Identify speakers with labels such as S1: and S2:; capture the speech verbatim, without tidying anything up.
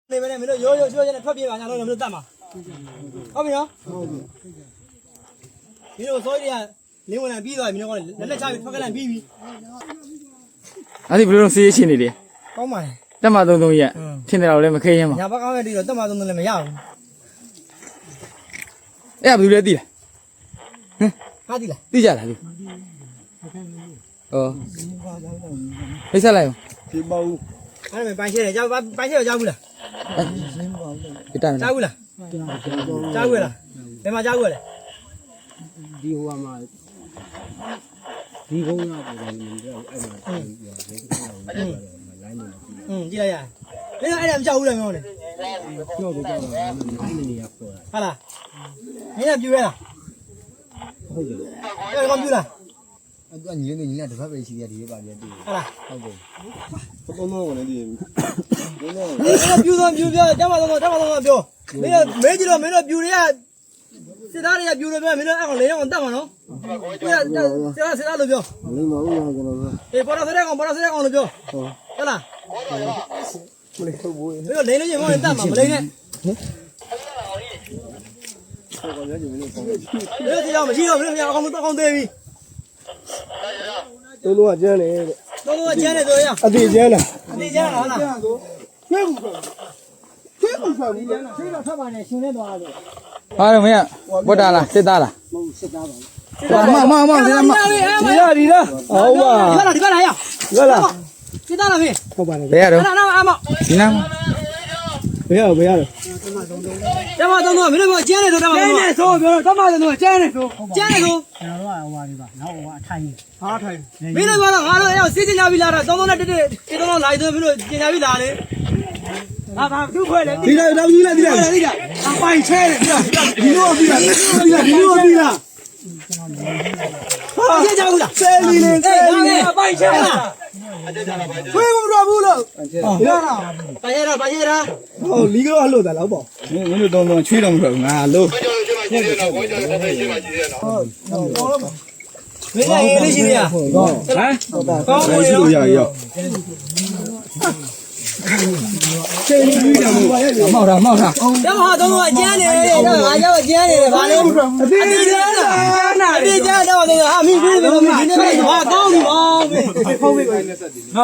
S1: နေမနေမင်းတို့ရိုးရိုးချိုးချိုးနဲ့ထွက်ပြေးပါညာလို့မင်းတို့တတ်မှာဟုတ်ပြီနော်ဟုတ်ပြီမင်းတို့စိုးရီကလင်းဝင်လာပြီးသွားပြီမင်းတို့ကလက်လက်ချပြီးထွက်ကလန့်ပြီးပြီ
S2: အဲ့ဒီဘယ်လိုလုပ်စေးချင်နေလဲ
S1: ကောင်းပါလေ
S2: တက်မှသုံးသုံးရက်ထင်တယ်တော့လည်းမခဲရင်ပါ
S1: ညာဘက်ကောင်းရတီတော့တက်မှသုံးသုံးလည်းမရဘူး
S2: အဲ့ဒါဘယ်လိုလဲသိလား
S1: ဟမ်ဟာသိလား
S2: သိကြလားဒီဩဖိတ်ဆက်လိုက်အောင်
S1: ဒီပေါ့အဲ့ဒါပိုင်းရှဲတယ်ကြောက်ပိုင်းရှဲတော့ကြောက်ဘူးလား
S2: ဒီတိုင်း
S1: ကြောက်ဘူးလားကြောက်ဘူးလားဘယ်မှာကြောက်ဘူးလဲ
S3: ဒီဟိုမှာဒီကုန်းရပေါ်တယ်မင်းတို့အဲ့မှာလိုင်းနေ
S1: อืมကြည့်လိုက်ရမင်းအဲ့ဒါမကြောက်ဘူးလားမင်းတို့
S3: ပြောတော့ကြောက်တာလိုင်းနေရပေါ်တာ
S1: ဟုတ်လားမင်းကပြူရဲလား
S3: ဟုတ်တယ်
S1: အဲ့ဒါကပြူလား
S3: အဲ့ကညီနေညီနဲ့တစ်ဖက်ပဲရှိသေးတယ်ဒီပါပြတူ
S1: ဟုတ်လား
S3: ဟုတ်တယ်
S1: ဘုံတော့ဝင်နေတယ်ဘုံတော့မင်းပြူတော့ပြူပြောတက်မှတော့တက်မှတော့ပြောမင်းမဲကြည့်တော့မင်းတို့ပြူတွေကစစ်သားတွေကပြူလို့ပြောမင်းတို့အဲ့ကောင်လေးအောင်တက်မှာနော်စစ်သားစစ်သားလို့ပြော
S3: မလိမ္မာဘူးလားကျွန်တော်
S1: အေးပေါ်တော့စတဲ့ကောင်ပေါ်တော့စတဲ့ကောင်လို့ပြောဟုတ်လား
S3: မလိမ္မာဘူး
S1: မင်းတို့လိန်လို့ရင်မောင်းတက်မှာမလိန်နဲ့
S3: ဟုတ်ကဲ့ညီမလေးပေါ့
S1: မင်းတို့ဒီတော့မရှိတော့မင်းတို့အကောင်အကောင်သေးပြီ
S3: တို့လုံးကကျန်းတယ်တဲ့
S1: တို့လုံးကကျန်းတယ်တို့ရ
S3: အသေးကျန်းလား
S1: အသေးကျန်းလားဟုတ်လား
S3: ကျွေးဘူးကျွေးဘူးဆိုပြီးကျန်းလား
S1: ဆေးတော့ထပ်ပါနဲ့ရှင်နေသွားတယ်
S2: ဟာတော့မင်းဝတ်တာလားစစ်သားလား
S3: မဟုတ်စစ်သားပါ
S2: မမမဒီလားမ
S3: ဒီလားဒီလားဟုတ်ပါ
S1: ဒီကလားဒီကလားရ
S3: ဒီလား
S1: စစ်သားလားမင်း
S3: ဟုတ်ပါတယ်
S2: ဘယ်ရတော့
S1: နာနာအမ
S2: ဒီနာ
S3: ဘယ်ရဘယ်ရတော့
S1: တမသုံးတော့မင်းတို့ကျန်းတယ်ဆိုတမသုံးတော့ကျန်းတယ်ဆိုပြောတော့တမသုံးတော့ကျန်းတယ်ဆိုကျန်းတယ်ဆို
S3: ကျွန်တော်တို့ကဟိုပါဒီပါနောက်ဟိုကအထိုင်
S1: ဟာထိုင်မင်းတို့ကတော့ငါတို့ရောက်စစ်ကျင်ကြပြီလားတော့သုံးသုံးနဲ့တက်တက်ဒီသုံးသုံးလာပြီးမင်းတို့ကျင်ကြပြီလားလေဟာဘာသူ့ခွဲလေ
S3: ဒီလားတော့ဒီလားဒီလား
S1: ဒီလားအပိုင်ချဲတယ်
S3: ဒီလိုပြီလားဒီလားဒီလိုပြီလား
S1: ဟာကျကြဘူးလား
S3: ဆယ်လီလေးဆယ်လီလေး
S1: အပိုင်ချဲလား
S3: ခွေးမတော်ဘူးလို့
S1: ဟုတ်လားပါရတာပါရတာ
S3: ဟိုလီကတော့လှုပ်တာလောက်ပေါ့
S2: မင်းမင်းတို့တုံးတုံးချွေးတော့မထွက်ဘူးငါလို့
S1: ဟုတ်ဟုတ်မင်းလည်းလေးရှိနေရဟမ်ကောင်း
S2: ရှိလို့ရရော
S3: ဆယ်လီကြီးတယ်
S2: မောက်တာမောက်တာ
S1: တမဟာသုံးတော့ကျန်းနေတယ်တော့ငါရောက်ကျန်းနေတယ်ဗာလေ
S3: အသေးကျန်းလား
S1: အသေးကျန်းတော့ဟာမိပြီးပြီမင်းဒီနေ့ဟာကောင်းပြီဗော
S3: ဖုန်းပေးပါ